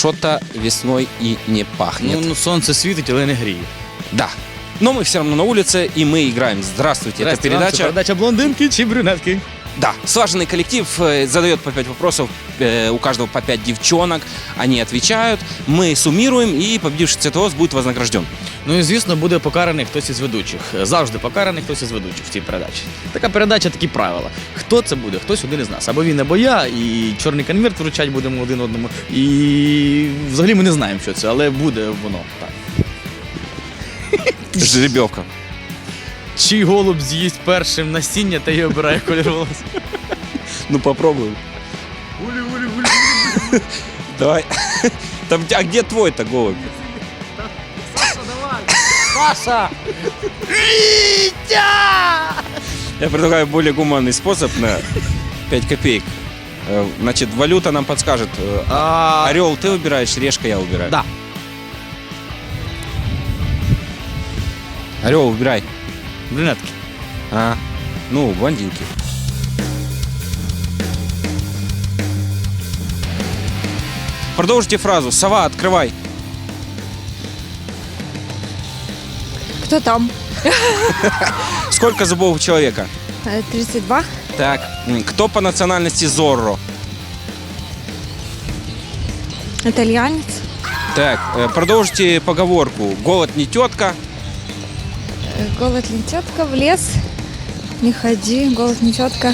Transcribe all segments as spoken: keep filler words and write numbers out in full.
что-то весной и не пахнет. Ну, ну, сонце світить, але не гріє. Да. Но мы все равно на улице, и мы играем. Здравствуйте, это Здрасте, вам, передача. це передача блондинки чи брюнетки. Да, слаженный коллектив э, задает по пять вопросов, э, у каждого по пять девчонок, они отвечают, мы суммируем, и победивший цветовоз будет вознагражден. Ну і, звісно, буде покараний хтось із ведучих. Завжди покараний хтось із ведучих в цій передачі. Така передача, такі правила. Хто це буде? Хтось один із нас. Або він, або я, і чорний конверт вручать будемо один одному. І взагалі ми не знаємо, що це, але буде воно так. Жеребьевка. Чий голуб з'їсть першим насіння та й обирає колір волос? Ну попробуем. Давай. Там, а где твой-то голубь? Саша, давай! Саша! Витя! Я предлагаю более гуманный способ на пять копеек. Э, Значит, валюта нам подскажет. э, А... Орел ты выбираешь, решка я выбираю. Да. Орел выбирай. Брюнетки. А, ну, блондинки. Продолжите фразу. Сова, открывай. Кто там? Сколько зубов у человека? Э, тридцать два. Так, м, кто по национальности Зорро? Итальянец. Так, э, продолжите поговорку. Голод не тетка. Э, Голод не тетка, в лес. Не ходи, голод не тетка.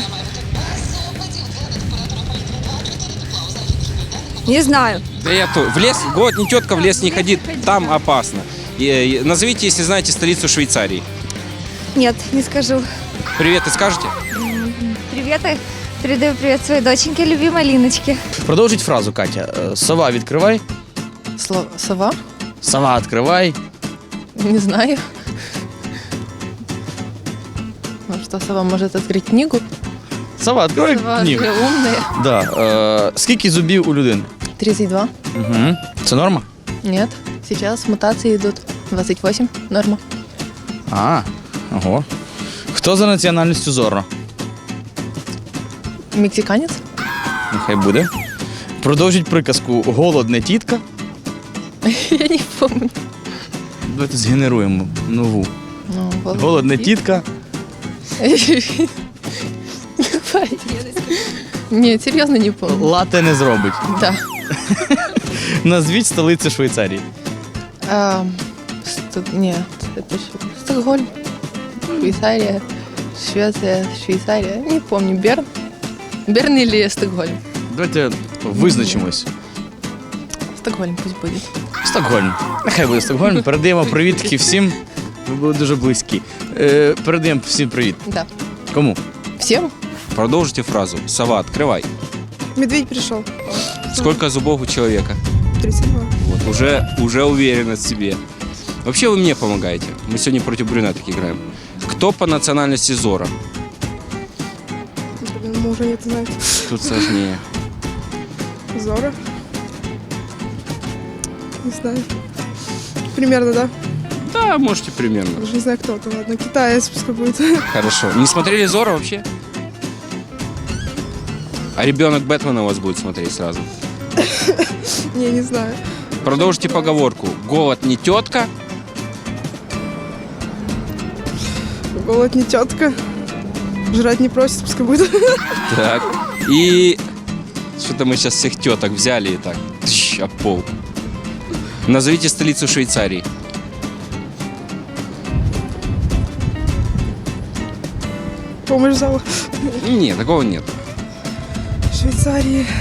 Не знаю. Да я то. В лес, голод не тетка, в лес не ходит, там опасно. И, э, назовите, если знаете, столицу Швейцарии. Нет, не скажу. Привет, и скажете? Приветы. Передаю привет своей доченьке, любимой Линочке. Продовжить фразу, Катя. Е, Сова, відкривай. Сло- Сова? Сова, відкривай. Не знаю. Ну что, сова может открыть книгу? Сова, відкривай Сова книгу. же умная. Да. Е, скільки зубів у людини? тридцать два. Угу. Це норма? Нет. Сейчас мутации идут. двадцать восемь. Норма. А, ого. Хто за національністю Зорро? Мексиканец? Нехай буде. Продовжіть приказку «Голод не тітка». Я не помню. Давайте згенеруємо нову. Ну, Голод не тітка. Нет, серьезно не помню. Лате не зробить. Да. Назвіть столицю Швейцарії. А, Ст- Нет, это что? Стокгольм. Швейцария. Швеция. Швейцария. Не помню. Берн. Берн или Стокгольм? Давайте визначимось. Стокгольм пусть будет. Стокгольм. Нехай буде Стокгольм. Передаємо привітки всім. Ви були дуже близькі. Е, передаємо всім привіт. Да. Кому? Всем? Продолжите фразу. Сова, открывай. Медведь пришел. Сколько зубов у человека? тридцать два. Вот, уже, уже уверенность в себе. Вообще вы мне помогаете. Мы сегодня против брюнеток играем. Кто по национальности Зорро? Блин, мужа нет, знаете. Тут сложнее. Зора. Не знаю. Примерно, да? Да, можете примерно. Даже не знаю, кто это. Ладно, китаец пускай будет. Хорошо. Не смотрели Зорро вообще? А ребенок Бэтмена у вас будет смотреть сразу. Не, не знаю. Продолжите поговорку. Голод не тетка. Голод не тетка. Жрать не просит, пускай будет. Так. И что-то мы сейчас всех теток взяли и так. Тщ, об пол. Назовите столицу Швейцарии. Помощь зала. Нет, такого нет. Швейцарии.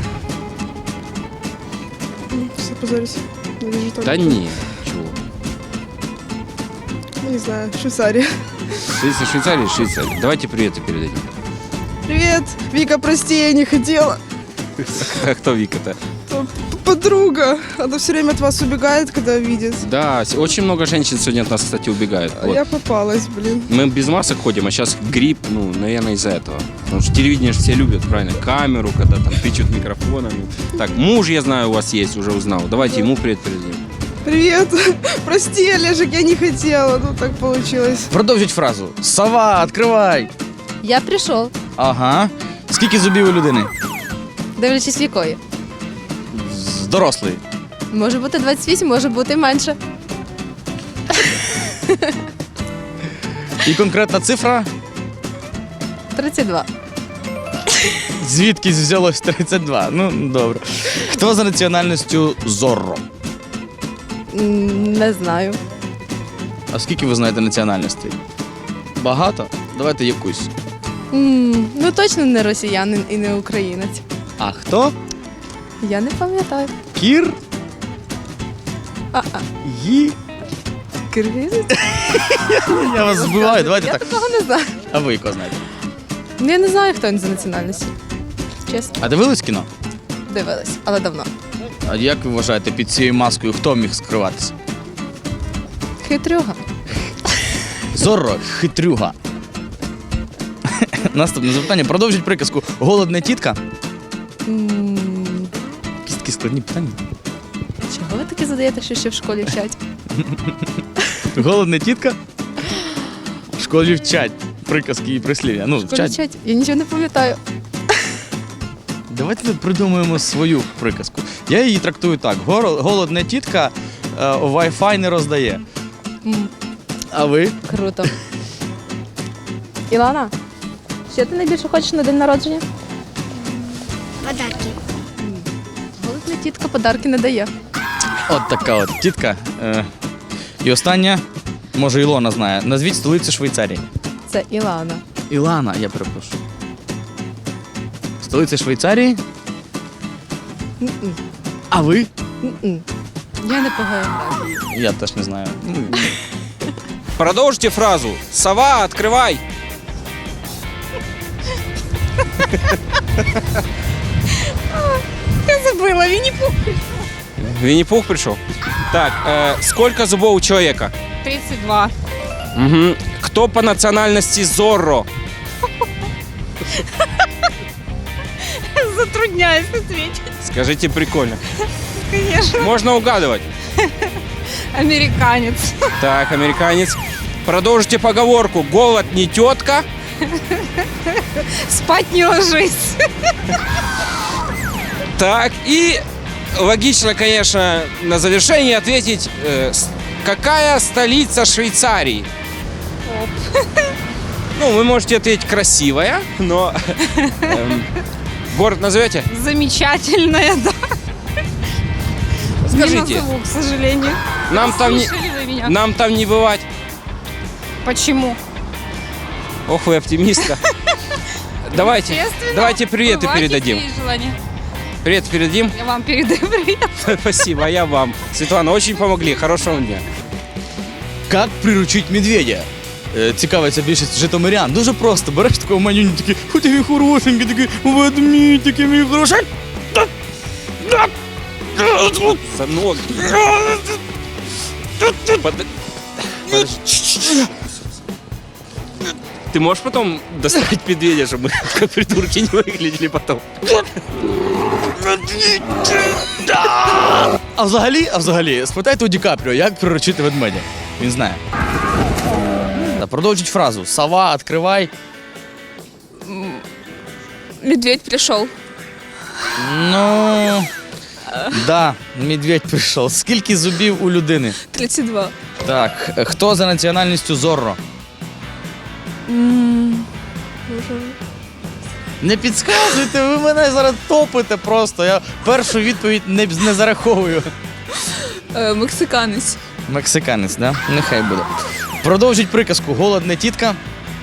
Все, позорюсь. Не вижу только. Да не. Чего? Ну, не знаю. Швейцария. Столица Швейцарии, Швейцария. Давайте приветы передадим. Привет. Вика, прости, я не хотела. А кто Вика-то? П- Подруга. Она все время от вас убегает, когда видит. Да, с- очень много женщин сегодня от нас, кстати, убегают. А Вот. я попалась, блин. Мы без масок ходим, а сейчас грипп, ну, наверное, из-за этого. Потому что телевидение же все любят, правильно, камеру, когда там тычут микрофонами. Так, муж, я знаю, у вас есть, уже узнал. Давайте ему привет передадим. Привет. Прости, Олежек, я не хотела. Ну, так получилось. Продовжіть фразу. Сова, відкривай. Я прийшов, Ага. Скільки зубів у людини? дивлячись в якої. З дорослий. Може бути двадцять вісім, може бути і менше. І конкретна цифра, тридцять два. звідки взялось тридцять два. Ну, добре. Хто за національністю Зорро? М, Не знаю. А скільки ви знаєте національностей? Багато? Давайте якусь. М, Ну точно не росіянин і не українець. А хто? Я не пам'ятаю. Кір? А-а. Ї? Киргизець? Я вас збиваю, давайте Я так. такого не знаю. А ви якого знаєте? Ну, я не знаю, хто він за національністю. Чесно, А дивились кіно? дивилась, але давно. А як ви вважаєте, під цією маскою хто міг скриватися? Хитрюга. Зорро, хитрюга. Наступне запитання. Продовжіть приказку. Голодна тітка. М, Якісь такі складні питання. Чого ви таке задаєте, що ще в школі вчать? Голодна тітка. В школі вчать приказки і прислів'я. Ну, В школі вчать. вчать? Я нічого не пам'ятаю. Давайте придумаємо свою приказку. Я її трактую так: Гор- голодна тітка е, Wi-Fi не роздає. М, А ви? Круто. Ілана, що ти найбільше хочеш на день народження? Подарки. Голодна тітка подарки не дає. От така от тітка. Е, і остання, може, Ілона знає. Назвіть столицю Швейцарії. Це Ілана. Ілана, я перепрошую. Столиця Швейцарії. М-м, А ви? м-м. Я не по географії. Я теж не знаю. Ну, Продолжите фразу. Сова, открывай. Я забыла, Винни-Пух. Винни-Пух пришел. Так, э, сколько зубов у человека? тридцать два. Мгм. Кто по национальности Зорро? Затрудняюсь ответить. Скажите прикольно. Конечно. Можно угадывать. Американец. Так, американец. Продолжите поговорку. Голод не тетка. Спать не ложись. Так, и логично, конечно, на завершение ответить, э, с- какая столица Швейцарии? Ну, вы можете ответить красивая, но эм, город назовете? Замечательная, да. Не Скажите, назову, к сожалению. нам там не, Слышали вы меня? нам там не бывать. Почему? Ох, вы оптимистка. Давайте, Естественно. давайте приветы Бывает, передадим. если есть желание. Привет передадим. Я вам передаю привет. Спасибо, а я вам. Светлана, очень помогли. Хорошего вам дня. Як приручить медведя? Е, Цікавиться більшість житомирян. Дуже просто. Береш такого манюню, такий, «Ой, такий хорошенький, такий ведмідь, такий мій хороший. Сынок. Под- Подожди. Ты можешь потом доставить медведя, чтобы мы как придурки не выглядели потом? А взагалі, а взагалі, спитайте у Ді Капріо, як приручити ведмедя. Він знає. Та продовжіть фразу. Сова, відкривай. Медведь пришел. Ну. Да, медведь прийшов. Скільки зубів у людини? тридцать два. Так, е, хто за національністю Зорро? Не підказуйте, ви мене зараз топите просто. Я першу відповідь не, не зараховую. Мексиканець. Мексиканець, да? Нехай буде. Продовжіть приказку. Голодна тітка.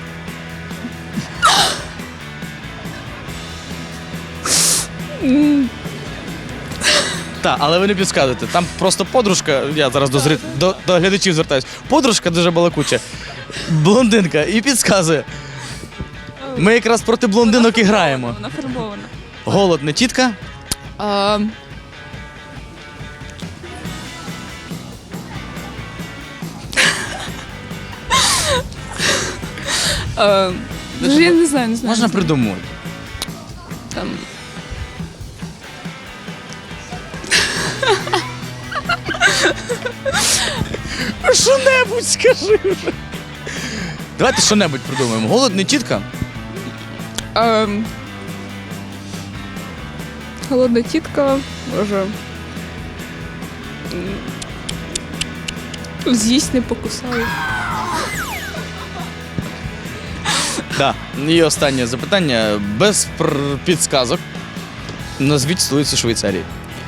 Так, але ви не підказуєте. Там просто подружка, я зараз до, зри... до, до глядачів звертаюсь. Подружка дуже балакуча, блондинка, і підказує. Ми якраз проти блондинок і граємо. Нафарбована. Голодна тітка. А, а, Даже я не знаю, не знаю. Можна не знаю. придумати. Там. Що-небудь скажи вже. Давайте що-небудь придумаємо. Голодна тітка. А, Холодна тітка. Боже. З'їсть не покусаю. Да. І останнє запитання. Без пр- підсказок. Назвіть столицю Швейцарії.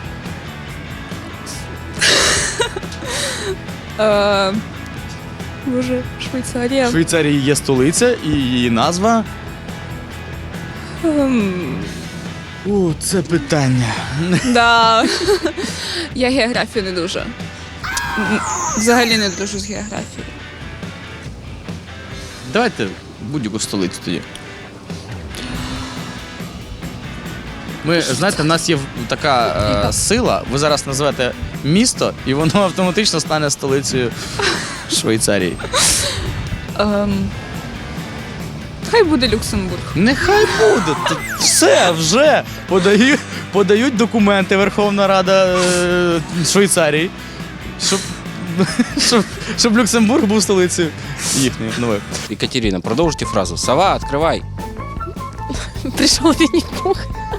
Е, Боже, Швейцарія. В Швейцарії є столиця і її назва. Ем, О, це питання. Да. Я географію не дуже. М, Взагалі не дуже з географії. Давайте будь-яку столицю тоді. Ми, знаєте, в нас є в- така е, сила, ви зараз назвете місто, і воно автоматично стане столицею Швейцарії. Ем, Хай буде Люксембург. Нехай буде. Тут все вже подають, подають документи Верховна Рада е, Швейцарії, щоб, щоб, щоб Люксембург був столицею їхньої нової. Екатерина, продолжите фразу. Сова, открывай. Пришел Винни-Пух.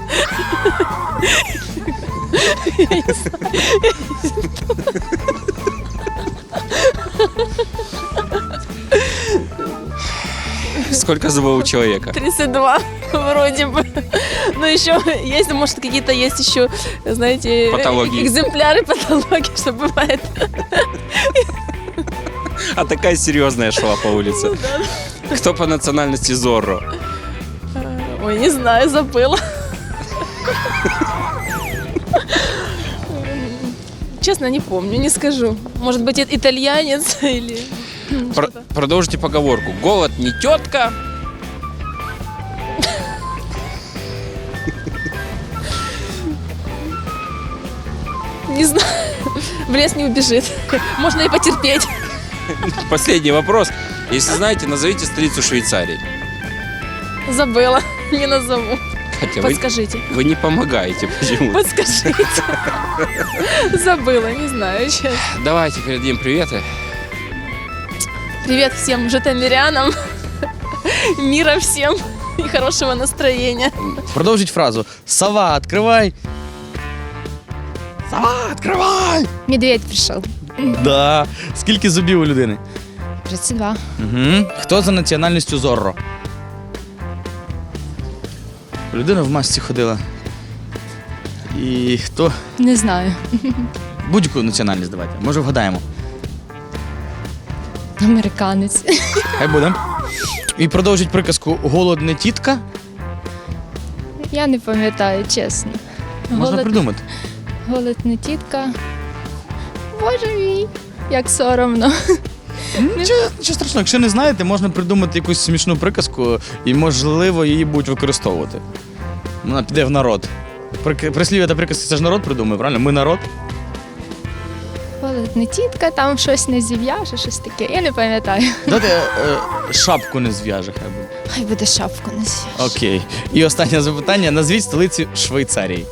Сколько зубов у человека? тридцать два вроде бы. Ну еще есть, может, какие-то есть еще, знаете, Патологии. экземпляры патологии, что бывает. А такая серьезная шла по улице. Кто по национальности Зорро? Ой, не знаю, забыла. Честно, не помню, не скажу. Может быть, и- итальянец или... Про- продолжите поговорку. Голод не тетка. Не знаю. В лес не убежит. Можно и потерпеть. Последний вопрос. Если знаете, назовите столицу Швейцарии. Забыла. Не назову. Хотя вы, Подскажите. вы не помогаете почему. Подскажите. Забыла, не знаю сейчас. Давайте передадим приветы. Привет всем житомирянам. Мира всем и хорошего настроения. Продовжіть фразу. Сова, відкривай. Сова, відкривай! Медведь пришел. Да. Скільки зубів у людини? тридцать два. Угу. Хто за національністю Зорро? Людина в масці ходила. І хто? Не знаю. Будь-яку національність давайте. Може вгадаємо. Американець. Хай буде. І продовжить приказку «Голод не тітка». Я не пам'ятаю, чесно. Можна Голод, придумати. голод не тітка. Боже мій, як соромно. Нічого, нічого страшного, якщо не знаєте, можна придумати якусь смішну приказку і, можливо, її будуть використовувати. Вона піде в народ. Прик- Прислів'я та приказки це ж народ придумує, правильно? Ми народ. Голод не тітка, там щось не зів'яже, щось таке. Я не пам'ятаю. Давайте е, шапку не зв'яже, хай буде. Хай буде шапку не зів'яже. Окей. І останнє запитання. Назвіть столицю Швейцарії.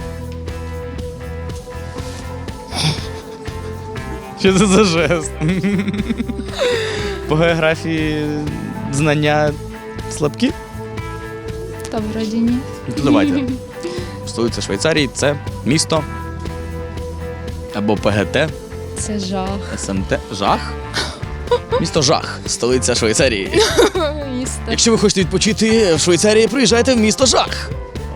Що це за жест? По географії знання слабкі? Та вроді ні. Ну, то давайте. Столиця Швейцарії – це місто або ПГТ, Це жах. СМТ. Жах? Місто Жах, столиця Швейцарії. Місто. Якщо ви хочете відпочити в Швейцарії, приїжджайте в місто Жах.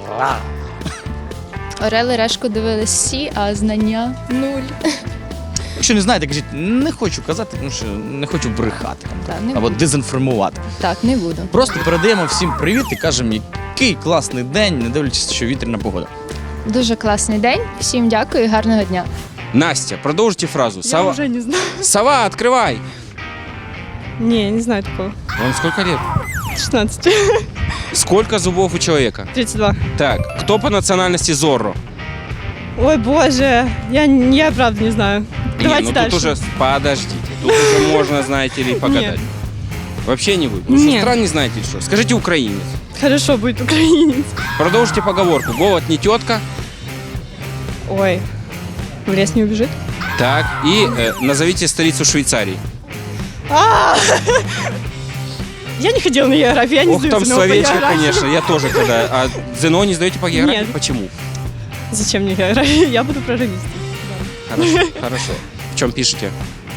Орел і решку дивились всі, а знання нуль. Якщо не знаєте, кажіть, не хочу казати, тому що не хочу брехати Так, не або буду. дезінформувати. Так, не буду. Просто передаємо всім привіт і кажемо, який класний день, не дивлячись, що вітряна погода. Дуже класний день. Всім дякую і гарного дня. Настя, продолжите фразу. Я Сова, уже не знаю. Сова, открывай. Не, не знаю такого. Вам сколько лет? шестнадцать. Сколько зубов у человека? тридцать два. Так, кто по национальности Зорро? Ой, боже, я, я правда не знаю. Не, Давайте ну дальше. тут уже, подождите, тут уже можно, знаете ли, погадать. Нет. Вообще не вы. Вы что, Нет. стран не знаете или что? Скажите украинец. Хорошо, будет украинец. Продолжите поговорку. Голод не тетка. Ой, в лес не убежит. Так, и э, назовите столицу Швейцарии. Я не ходила на географию, я не Ох, сдаю там ЗНО по словечко, географии. конечно, я тоже когда. А ЗНО не сдаете по географии? Нет. Почему? Зачем мне география? Я буду прорывистой. Хорошо, хорошо. В чем пишете?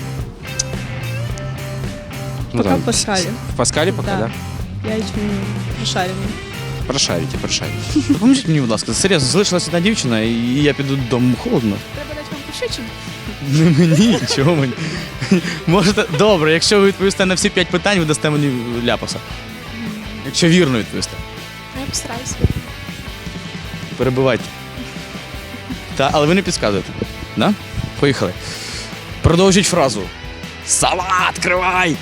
Ну, Пока там, в Паскале. В Паскале пока, да? Да. Я еще не пошарена. Прошарите, прошарите. Допоможіть мені, будь ласка, серйозно, залишилася одна дівчина, і я піду додому холодно. Треба дати вам пощечину. Не мені, чого мені? Можете, добре, якщо ви відповісте на всі п'ять питань, ви дасте мені ляпаса. Якщо вірно відповісте. Я постараюсь. Перебивайте. Та, але ви не підказуєте. Да? Поїхали. Продовжіть фразу. Салат, кривай!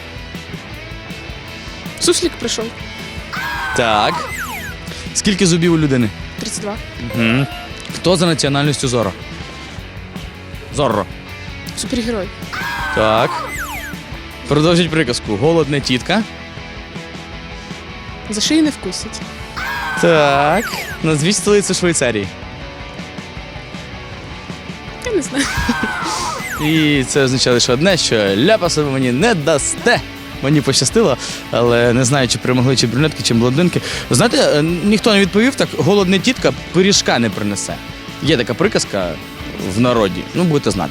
Суслик прийшов. Так. Скільки зубів у людини? тридцять два. Угу. Хто за національністю Зорро? Зорро. Супергерой. Так. Продовжіть приказку. Голодна тітка. За шиї не вкусить. Так. Назвіть столицю Швейцарії. Я не знаю. І це означає лише одне, що ляпаса ви мені не дасте. Мені пощастило, але не знаю, чи перемогли чи брюнетки, чи блондинки. Знаєте, ніхто не відповів, так голодна тітка пиріжка не принесе. Є така приказка в народі, ну будете знати.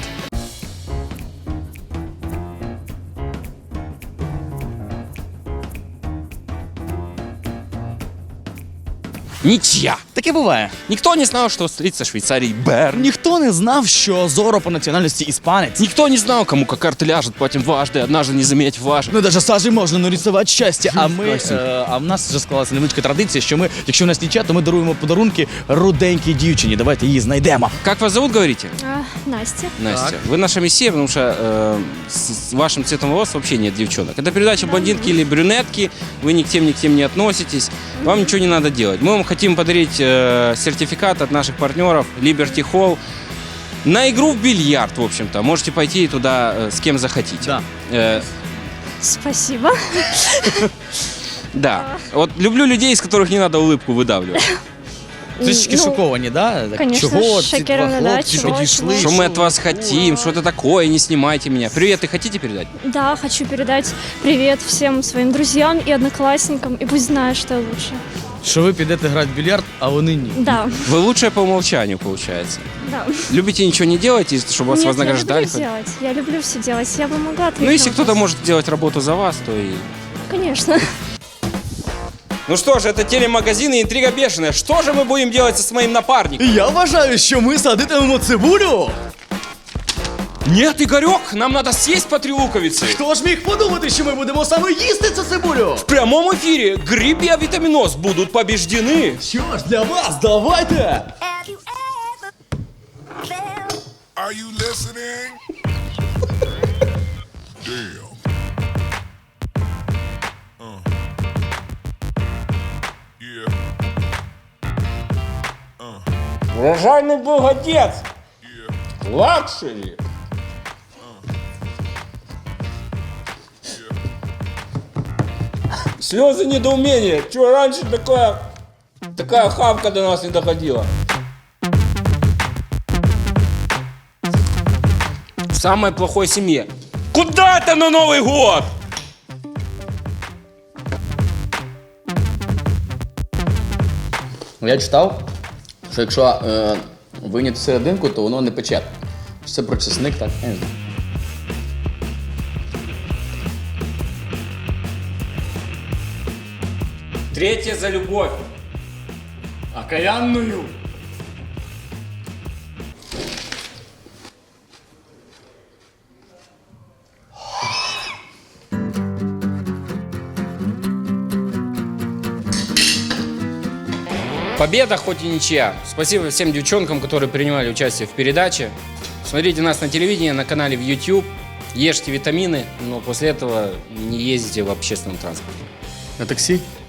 Ничья. Таке буває. Никто не знал, что столица Швейцарии Берн. Ніхто не знав, що Зорро по національності іспанець. Никто не знал, кому как карты ляжет, платим дважды, однажды не заметь важно. Ну, навіть сажі можна нарисувати щастя. А ми, Класно. е, а в нас вже склалася невеличка традиція, що ми, якщо в нас нічия, то ми даруємо подарунки руденькій дівчині. Давайте її знайдемо. Как вас зовут, говорите? А, Настя. Настя. Вы наша мессия, потому что э, с, с вашим цветом волос вообще нет девчонок. Это передача блондинки или брюнетки, вы ни к тем, ни к тем не относитесь, вам ничего не надо делать. Мы вам хотим подарить э, сертификат от наших партнеров Liberty Hall на игру в бильярд, в общем-то. Можете пойти туда э, с кем захотите. Да. Э, Спасибо. да. Вот люблю людей, из которых не надо улыбку выдавливать. Трішечки Ну, шоковані, да? Так, конечно, чого ці шокирована, два да, хлопці чого, підійшли? чого? Что мы от вас хотим, что это такое, не снимайте меня. Привет, ты хотите передать? Да, хочу передать привет всем своим друзьям и одноклассникам, и пусть знают, что я лучше. Що ви підете грати в більярд, а вони ні. Да, Вы лучшая по умолчанию, получается. да. Любите ничего не делать, и чтобы вас Нет, вознаграждали? я люблю делать, я люблю все делать, я бы могла ответить Ну, если на кто-то вопрос. может делать работу за вас, то и... Конечно. Ну что ж, это телемагазин и интрига бешеная. Что же мы будем делать с моим напарником? Я вважаю, що ми садитимемо цибулю. Нет, Игорек, нам надо съесть по три луковицы. Хто ж міг подумати, що ми будемо саме їсти цю цибулю? В прямом эфире грипп и авитаминоз будут побеждены. Що ж, для вас, давайте! Have you ever felt? Are you listening? Damn. Uh. Yeah. Uh. Урожайный богодец. Yeah. Лакшери. Слезы недоумения. Чего раньше такая, такая хавка до нас не доходила? В самой плохой семье. Куда это на Новый год? Я читав, що якщо е, вийняти серединку, то воно не пече. Це про чесник, так? Я не знаю. Третье за любовь. Окаянную. Победа, хоть и ничья. Спасибо всем девчонкам, которые принимали участие в передаче. Смотрите нас на телевидении, на канале в YouTube. Ешьте витамины, но после этого не ездите в общественном транспорте. На таксі?